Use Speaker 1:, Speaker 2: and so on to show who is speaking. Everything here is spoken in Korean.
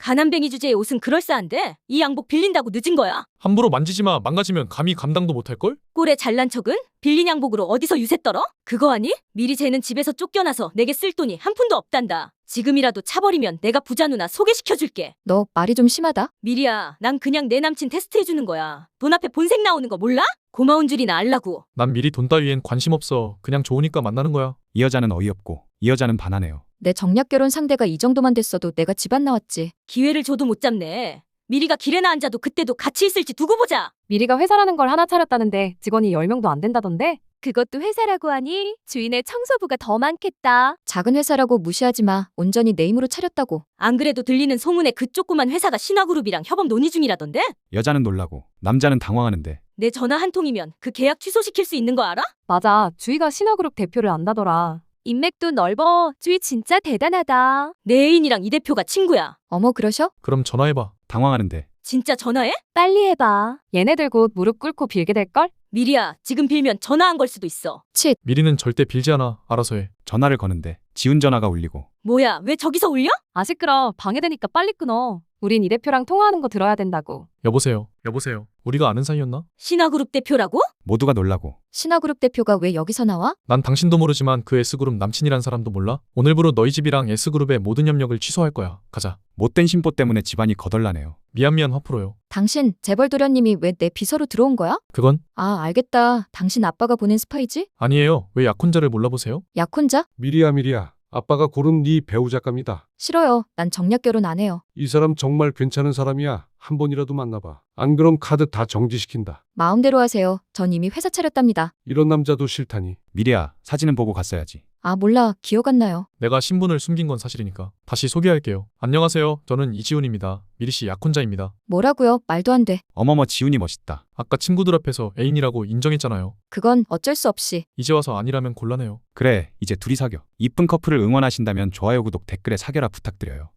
Speaker 1: 가난뱅이 주제에 옷은 그럴싸한데 이 양복 빌린다고 늦은 거야.
Speaker 2: 함부로 만지지 마. 망가지면 감히 감당도 못할걸?
Speaker 1: 꼴에 잘난 척은? 빌린 양복으로 어디서 유세 떨어? 그거 아니? 미리 쟤는 집에서 쫓겨나서 내게 쓸 돈이 한 푼도 없단다. 지금이라도 차버리면 내가 부자 누나 소개시켜줄게.
Speaker 3: 너 말이 좀 심하다.
Speaker 1: 미리야, 난 그냥 내 남친 테스트해주는 거야. 돈 앞에 본색 나오는 거 몰라? 고마운 줄이나 알라고.
Speaker 2: 난 미리 돈 따위엔 관심 없어. 그냥 좋으니까 만나는 거야.
Speaker 4: 이 여자는 어이없고 이 여자는 반하네요.
Speaker 3: 내 정략 결혼 상대가 이 정도만 됐어도 내가 집 안 나왔지.
Speaker 1: 기회를 줘도 못 잡네. 미리가 길에나 앉아도 그때도 같이 있을지 두고 보자.
Speaker 5: 미리가 회사라는 걸 하나 차렸다는데 직원이 10명도 안 된다던데?
Speaker 6: 그것도 회사라고 하니 주인의 청소부가 더 많겠다.
Speaker 3: 작은 회사라고 무시하지 마. 온전히 내 힘으로 차렸다고.
Speaker 1: 안 그래도 들리는 소문에 그 조그만 회사가 신화그룹이랑 협업 논의 중이라던데?
Speaker 4: 여자는 놀라고 남자는 당황하는데
Speaker 1: 내 전화 한 통이면 그 계약 취소시킬 수 있는 거 알아?
Speaker 5: 맞아. 주희가 신화그룹 대표를 안다더라.
Speaker 6: 인맥도 넓어. 주위 진짜 대단하다.
Speaker 1: 내 애인이랑 이 대표가 친구야.
Speaker 3: 어머 그러셔?
Speaker 2: 그럼 전화해봐.
Speaker 4: 당황하는데
Speaker 1: 진짜 전화해?
Speaker 6: 빨리 해봐.
Speaker 5: 얘네들 곧 무릎 꿇고 빌게 될걸?
Speaker 1: 미리야, 지금 빌면 전화 안 걸 수도 있어.
Speaker 3: 칫.
Speaker 2: 미리는 절대 빌지 않아. 알아서 해.
Speaker 4: 전화를 거는데 지훈 전화가 울리고
Speaker 1: 뭐야, 왜 저기서 울려?
Speaker 5: 아 시끄러. 방해되니까 빨리 끊어. 우린 이 대표랑 통화하는 거 들어야 된다고.
Speaker 2: 여보세요. 여보세요. 우리가 아는 사이였나?
Speaker 1: 신화그룹 대표라고?
Speaker 4: 모두가 놀라고
Speaker 3: 신화그룹 대표가 왜 여기서 나와?
Speaker 2: 난 당신도 모르지만 그 S그룹 남친이란 사람도 몰라? 오늘부로 너희 집이랑 S그룹의 모든 협력을 취소할 거야. 가자.
Speaker 4: 못된 심보 때문에 집안이 거덜나네요.
Speaker 2: 미안 화풀어요.
Speaker 3: 당신 재벌 도련님이 왜 내 비서로 들어온 거야?
Speaker 2: 그건
Speaker 3: 아 알겠다. 당신 아빠가 보낸 스파이지?
Speaker 2: 아니에요. 왜 약혼자를 몰라보세요?
Speaker 3: 약혼자?
Speaker 7: 미리야. 아빠가 고른 네 배우작갑니다.
Speaker 3: 싫어요. 난 정략 결혼 안 해요.
Speaker 7: 이 사람 정말 괜찮은 사람이야. 한 번이라도 만나봐. 안 그럼 카드 다 정지시킨다.
Speaker 3: 마음대로 하세요. 전 이미 회사 차렸답니다.
Speaker 7: 이런 남자도 싫다니.
Speaker 4: 미리야 사진은 보고 갔어야지.
Speaker 3: 아 몰라. 기억 안 나요.
Speaker 2: 내가 신분을 숨긴 건 사실이니까. 다시 소개할게요. 안녕하세요. 저는 이지훈입니다. 미리씨 약혼자입니다.
Speaker 3: 뭐라고요? 말도 안 돼.
Speaker 4: 어머머 지훈이 멋있다.
Speaker 2: 아까 친구들 앞에서 애인이라고 인정했잖아요.
Speaker 3: 그건 어쩔 수 없이.
Speaker 2: 이제 와서 아니라면 곤란해요.
Speaker 4: 그래 이제 둘이 사겨. 이쁜 커플을 응원하신다면 좋아요 구독 댓글에 사겨라 부탁드려요.